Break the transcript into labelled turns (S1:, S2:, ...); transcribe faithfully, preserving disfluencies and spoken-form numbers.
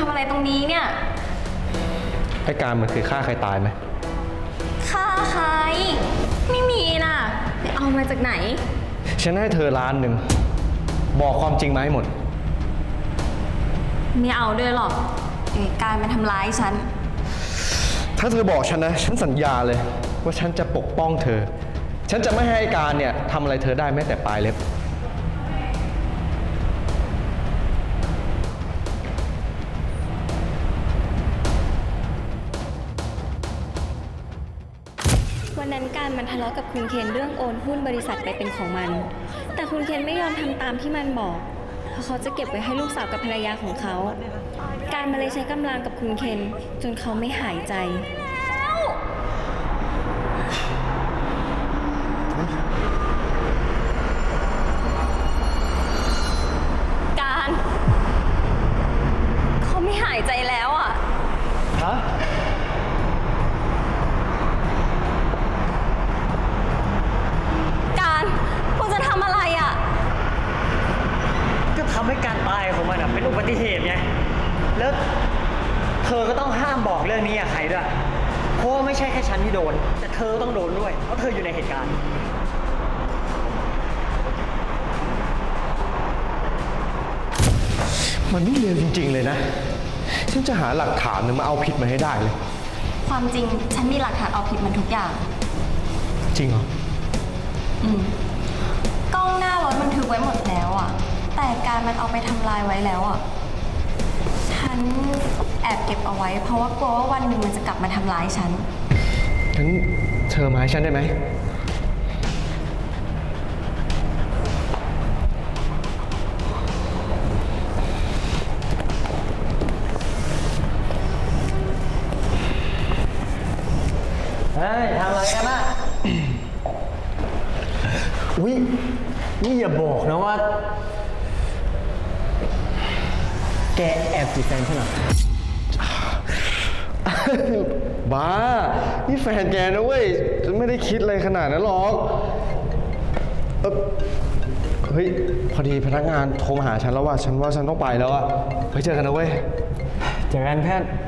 S1: ำอะไรตรงนี้เนี่ย
S2: ไอ้การมันเคยฆ่าใครตายไหม
S1: ฆ่าใครไม่มีน่ะไปเอามาจากไหน
S2: ฉันให้เธอล้านหนึ่งบอกความจริงมาให้หมด
S1: ไม่เอาด้วยหรอกเอ้การมันทำร้ายฉัน
S2: ถ้าเธอบอกฉันนะฉันสัญญาเลยว่าฉันจะปกป้องเธอฉันจะไม่ให้ไอ้การเนี่ยทำอะไรเธอได้แม้แต่ปลายเล็บ
S1: วันนั้นการมันทะเลาะกับคุณเคนเรื่องโอนหุ้นบริษัทไปเป็นของมันแต่คุณเคนไม่ยอมทำตามที่มันบอกเพราะเขาจะเก็บไว้ให้ลูกสาวกับภรรยาของเขาการมาเลยใช้กำลังกับคุณเคนจนเขาไม่หายใจการเขาไม่หายใจแล้วอ่ะ
S2: ฮะ
S1: การคุณจะทำอะไรอ่ะ
S3: ก็ทำให้การตายของมันเป็นอุบัติเหตุไงแล้วเธอก็ต้องห้ามบอกเรื่องนี้กับใครด้วยเพราะไม่ใช่แค่ฉันที่โดนแต่เธอต้องโดนด้วยเพราะเธออยู่ในเหตุการณ์
S2: มันนี่เร็วจริงๆเลยนะฉันจะหาหลักฐานนึงมาเอาผิดมาให้ได้เลย
S1: ความจริงฉันมีหลักฐานเอาผิดมันทุกอย่าง
S2: จริงเหรอ
S1: อืมกล้องหน้ารถบันทึกไว้หมดแล้วอ่ะแต่การมันเอาไปทำลายไว้แล้วอ่ะฉันแอบเก็บเอาไว้เพราะว่ากลัวว่าวันหนึ่งมันจะกลับมาทำร้ายฉัน
S2: งั้นเธอมาให้ฉันได้ไหม
S3: เฮ้ยทำอะไรกันน่ะ อุ๊ยนี่อย่าบอกนะว่าแกแอบจีบแฟนฉันเหรอ
S2: บ้านี่แฟนแกนะเว้ยฉันไม่ได้คิดอะไรขนาดนั้นหรอกเออเฮ้ยพอดีพนักงานโทรมาหาฉันแล้วว่าฉันว่าฉันต้องไปแล้วอะไว้เจอกันนะเว้ย
S3: เจอกันเพื่อน